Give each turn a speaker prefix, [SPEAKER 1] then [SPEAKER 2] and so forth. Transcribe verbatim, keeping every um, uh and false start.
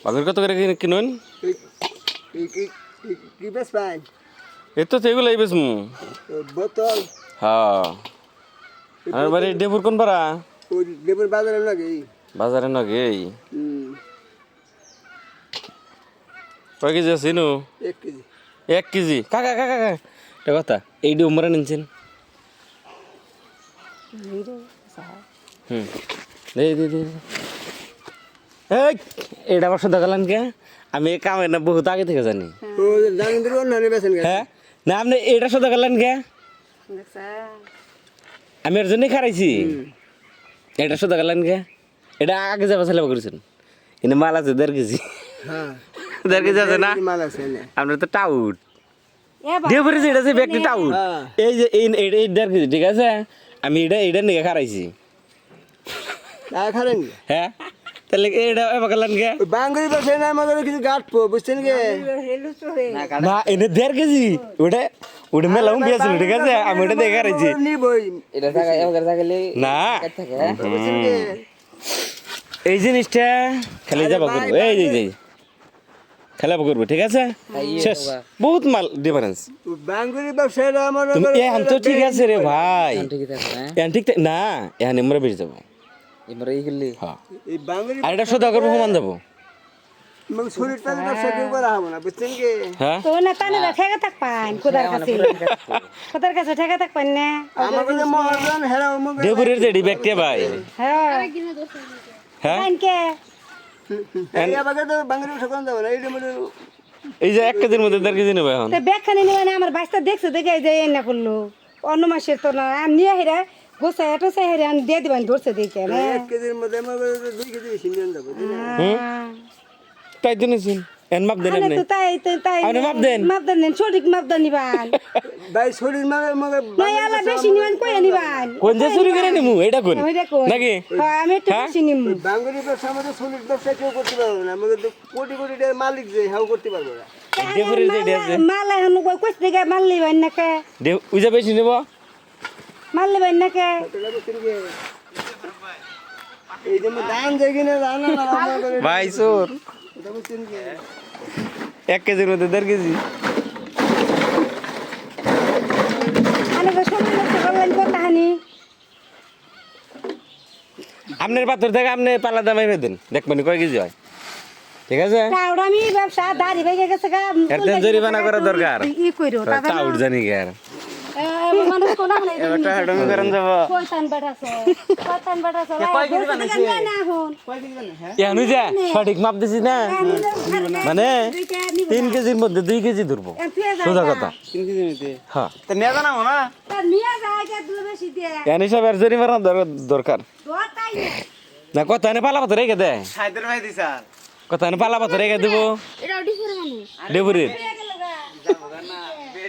[SPEAKER 1] বাগুর কত করে কিনুন?
[SPEAKER 2] কি বেশ পাই?
[SPEAKER 1] এই তো সেগুলো এই বেশ মু
[SPEAKER 2] বোতল।
[SPEAKER 1] হ্যাঁ আমার বাড়ি ডেপুর কোন পাড়া?
[SPEAKER 2] ওই ডেপুর বাজারে লাগে।
[SPEAKER 1] বাজারে নগে এই
[SPEAKER 2] হুম
[SPEAKER 1] কয় কেজি আছে নু?
[SPEAKER 2] এক কেজি।
[SPEAKER 1] এক কেজি কাকা কাকা কাকা এটা কথা এইটি উমরা নিনছেন হুম দে দে দে এই এটা বছর দেখালেন কে আমি কামে না বহুত আগে থেকে জানি
[SPEAKER 2] ও জানেন তো না বেছেন
[SPEAKER 1] হ্যাঁ না আপনি এটা শুধু দেখালেন কে আমি এর জন্যই খারাইছি এটা শুধু দেখালেন কে এটা আগে যাবা ছেলে করেছেন কিন্তু মাল আছে দেড় কেজি
[SPEAKER 2] হ্যাঁ
[SPEAKER 1] দেড় কেজি আছে না
[SPEAKER 2] মাল আছে না
[SPEAKER 1] আপনার তো টাউট দিয়ে পড়েছি এটা সেই ব্যক্তি টাউট এই যে এই এই দেড় কেজি ঠিক আছে আমি এটা এটা নিয়ে খারাইছি
[SPEAKER 2] আর খারেন
[SPEAKER 1] হ্যাঁ তাহলে এটা এবার গেলেন কে
[SPEAKER 2] বাঙ্গুরি বসে না আমাদের কিছু গাঁটবো বুঝছেন কে
[SPEAKER 1] না এনে দেড় কেজি ওটা ওটা মেলাম দিয়েছিল ঠিক আছে আমি ওটা দেখে খারাইছি
[SPEAKER 2] নিবই
[SPEAKER 3] এটা থাকা এবার থাকলে
[SPEAKER 1] না
[SPEAKER 3] থাকে
[SPEAKER 2] বুঝছেন কে
[SPEAKER 1] এই জিনিসটা খেলে যাবো করবো এই যে এই খেলা করবো ঠিক আছে শেষ বহুত মাল ডিফারেন্স
[SPEAKER 2] বাঙ্গুরি ব্যবসায়ীরা আমার
[SPEAKER 1] তুমি এখন তো ঠিক আছে রে ভাই
[SPEAKER 3] ঠিকই থাকে না
[SPEAKER 1] এখন ঠিক না এখন আমরা বেরিয়ে যাবো
[SPEAKER 3] এবার এই গেলি
[SPEAKER 1] হ্যাঁ
[SPEAKER 2] এই বাঙ্গুরি
[SPEAKER 1] আর এটা সদা করবো সমান যাবো
[SPEAKER 2] মানে শরীরটা ব্যবসা কেউ করা হবে না বুঝছেন কে
[SPEAKER 1] হ্যাঁ
[SPEAKER 4] তো না তানে ঠেকা থাক পান কোদার কাছে কোদার কাছে ঠেকা থাক পান না
[SPEAKER 2] আমার কাছে মহাজন হেরা মুখ
[SPEAKER 1] দেবুরের যে ডিবেক্টে ভাই
[SPEAKER 4] হ্যাঁ
[SPEAKER 1] হ্যাঁ
[SPEAKER 4] আনকে
[SPEAKER 2] এই আবার তো বাঙ্গুরি ব্যবসা করা যাবে না এইটা মধ্যে
[SPEAKER 1] এই যে এক কেজির মধ্যে দেড় কেজি নেবে এখন
[SPEAKER 4] তো ব্যাখ্যানি নিবে না আমার বাইসটা দেখছে দেখে যে এই না করলো অন্য মাসের তো না আমি নিয়ে হেরা গোসা এটো সে হেরা আমি দিয়ে দিবেন ধরছে দেখে না
[SPEAKER 2] এক কেজির মধ্যে আমার দুই কেজি বেশি নিয়ে যাবো
[SPEAKER 1] তাই জন্য এন মাপ দেন
[SPEAKER 4] আরে
[SPEAKER 1] আপনি
[SPEAKER 4] তো তাই তো তাই
[SPEAKER 1] আপনি মাপ দেন।
[SPEAKER 4] মাপ দেন সঠিক মাপ দেন নিবান
[SPEAKER 2] ভাই শরীর মানে মগে
[SPEAKER 4] না আলা বেশি নিবান কই নিবান
[SPEAKER 1] কোন যে চুরি করে নিমু এটা কোন
[SPEAKER 4] আমি দেখো
[SPEAKER 1] নাকি
[SPEAKER 4] হ্যাঁ আমি একটু বেশি নিমু
[SPEAKER 2] বাঙ্গুরি ব্যবসা আমাদের শরীর ব্যবসা কেউ করতে পারবে না আমাদের তো কোটি কোটি টাকার মালিক যে হাও করতে পারবে না
[SPEAKER 1] দেবুরের যে আছে
[SPEAKER 4] মাল এখন কই কইছ দিকে মাল নিবান না কে
[SPEAKER 1] দেব উজা বেশি নেব
[SPEAKER 4] মাল নিবান না কে
[SPEAKER 2] এটা বুঝছেন কে এই যে দান যাই কিনা জানা না আমাদের
[SPEAKER 1] ভাই চোর
[SPEAKER 2] এটা বুঝছেন কে
[SPEAKER 1] এক কেজির মধ্যে দেড় কেজি
[SPEAKER 4] আমি তো সব লোক বললেন কথা হানি
[SPEAKER 1] আপনার পাথর থেকে আপনি পাল্লা দামাই দেন দেখবেন কয় কেজি হয় ঠিক আছে
[SPEAKER 4] টাউড আমি ব্যবসা দাড়ি ভেঙে গেছে গা
[SPEAKER 1] এর তেন জরিমানা করা দরকার
[SPEAKER 4] ই কইরো তাহলে
[SPEAKER 1] টাউট জানি কে আর
[SPEAKER 4] মানুষ কোন না
[SPEAKER 1] একটা হেডমি করেন যাব
[SPEAKER 4] কয়তান বাটাছো কয়তান বাটাছো কয় কেজি বানাইছে না হন কয় কেজি বানাইছে
[SPEAKER 1] ইয়ানু যা সঠিক মাপ দিছিস না মানে তিন কেজির মধ্যে দুই কেজি ধরবো সোজা কথা
[SPEAKER 2] তিন কেজি নিতে
[SPEAKER 1] হ্যাঁ
[SPEAKER 2] তা নিয়ে জানাবো না
[SPEAKER 4] নিয়ে যায় দুধ বেশি দিয়ে
[SPEAKER 1] ইয়ান হিসাবে আর জরিমানা দরকার
[SPEAKER 4] দোতাই
[SPEAKER 1] না কথা এনে পালা পাথর রেখে দে
[SPEAKER 2] সাইদের ভাই দিছা
[SPEAKER 1] কথা এনে পালা পাথর রেখে দেবো
[SPEAKER 4] এটা ওডি করে মানুষ
[SPEAKER 1] ডেবুরির
[SPEAKER 4] গেল গা